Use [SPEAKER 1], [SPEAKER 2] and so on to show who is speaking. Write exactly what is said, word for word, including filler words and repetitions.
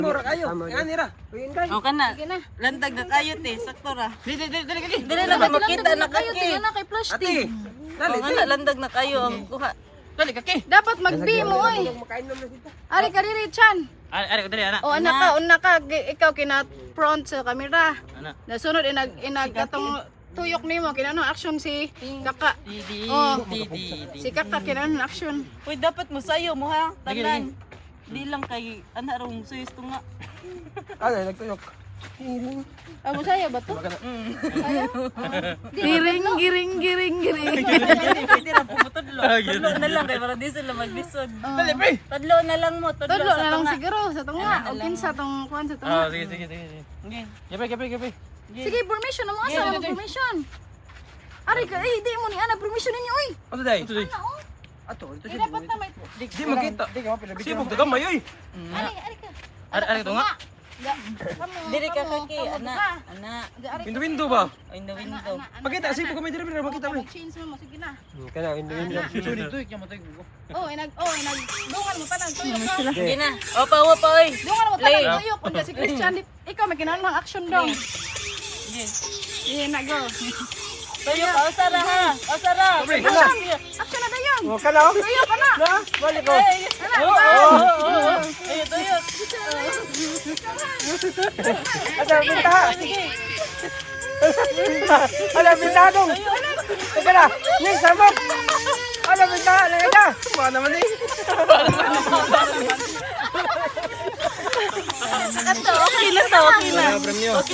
[SPEAKER 1] Mura kayo. Yan nira. Uyin kayo.
[SPEAKER 2] O ka na.
[SPEAKER 3] Sige na.
[SPEAKER 2] Landag na kayo te, sakto ra.
[SPEAKER 1] Dili dili dili dili.
[SPEAKER 2] Dili na ba makita na
[SPEAKER 3] kayo,
[SPEAKER 2] kaki.
[SPEAKER 3] tingnan na kay
[SPEAKER 1] Ate.
[SPEAKER 3] plastic.
[SPEAKER 1] Dali.
[SPEAKER 2] O nga na, landag na kayo ang kuha.
[SPEAKER 1] Dali kaki.
[SPEAKER 3] Dapat mag-B mo, oy.
[SPEAKER 1] Makain naman kita.
[SPEAKER 3] Ari ka diri, Chan.
[SPEAKER 1] Ari ari dali ana.
[SPEAKER 3] O, anak ka, una ka, gi- ikaw kina front sa camera.
[SPEAKER 1] Ana.
[SPEAKER 3] Nasunod, inag, inag, katong tuyok nimo kinano action si Kaka.
[SPEAKER 2] Didi,
[SPEAKER 3] Oh.
[SPEAKER 2] didi, didi.
[SPEAKER 3] Si Kaka kinano action.
[SPEAKER 2] Uy, dapat mo sayo mo ha, tanan. Di lang kay ana rong suyos to nga.
[SPEAKER 1] Ano nagtuyok.
[SPEAKER 3] Ah, mo saya ba to?
[SPEAKER 2] Mm.
[SPEAKER 3] Giring, giring, giring, giring.
[SPEAKER 2] Pwede na pumutudlo. Tudlo na lang kay para di sila maglisod.
[SPEAKER 1] Dali pre.
[SPEAKER 2] Tudlo na lang mo, tudlo,
[SPEAKER 3] Todlo
[SPEAKER 2] sa
[SPEAKER 3] na lang
[SPEAKER 2] tunga.
[SPEAKER 3] siguro sa tunga.
[SPEAKER 2] Ano na
[SPEAKER 3] O
[SPEAKER 2] lang.
[SPEAKER 3] kinsa tong kuan sa
[SPEAKER 1] Ah
[SPEAKER 3] tunga.
[SPEAKER 1] sige sige sige. sige.
[SPEAKER 2] Okay.
[SPEAKER 1] Gape gape gape.
[SPEAKER 3] Sige, permission na mo asa mo permission. Ari ka, eh, di mo ni ana permission ninyo oy.
[SPEAKER 1] Ano dai?
[SPEAKER 3] Ano oh?
[SPEAKER 1] Ato ito
[SPEAKER 3] Eh,
[SPEAKER 1] siya.
[SPEAKER 3] dapat na may.
[SPEAKER 1] Di makita. Di ka mapila. Sibog dagamay oy.
[SPEAKER 3] Ari, ari ka.
[SPEAKER 1] Ari ari to nga.
[SPEAKER 3] Ga- kamo,
[SPEAKER 2] Diri ka
[SPEAKER 3] kamo,
[SPEAKER 2] kaki,
[SPEAKER 3] kamo,
[SPEAKER 2] ana,
[SPEAKER 3] ka.
[SPEAKER 2] ana.
[SPEAKER 3] Ga- ari ka.
[SPEAKER 1] Window window ba?
[SPEAKER 2] In the window.
[SPEAKER 1] Makita sibog kami diri pre makita pre.
[SPEAKER 3] Change mo, sige na.
[SPEAKER 1] Kana window window. Sorry to ikya matay ko.
[SPEAKER 3] Oh, inag, oh, inag, dungan mo tanan, tuyok ka.
[SPEAKER 2] Sige na. Opa, opa, oy.
[SPEAKER 3] Dungan mo
[SPEAKER 2] Play.
[SPEAKER 3] tanan, tuyok. Kung si Christian, di- ikaw may kinahanglan ng action daw.
[SPEAKER 2] Sige.
[SPEAKER 3] Sige na, go.
[SPEAKER 2] Tayo ka, osara ha. Osara.
[SPEAKER 1] Pre,
[SPEAKER 2] Sige.
[SPEAKER 1] kana.
[SPEAKER 2] Sige.
[SPEAKER 3] Action na dayon.
[SPEAKER 1] Oh kana oh.
[SPEAKER 3] Tuyok ka na.
[SPEAKER 1] Na, balik ko.
[SPEAKER 2] Ay,
[SPEAKER 3] Ana,
[SPEAKER 2] oo,
[SPEAKER 3] ba?
[SPEAKER 2] oo, oo. Ayun, tayo.
[SPEAKER 1] Ada minta. Ada minta dong. Teka na. Ni sabot. Ada minta lagi dah. Mana naman ni?
[SPEAKER 2] Kanto, okay na to, okay na.
[SPEAKER 1] Premium.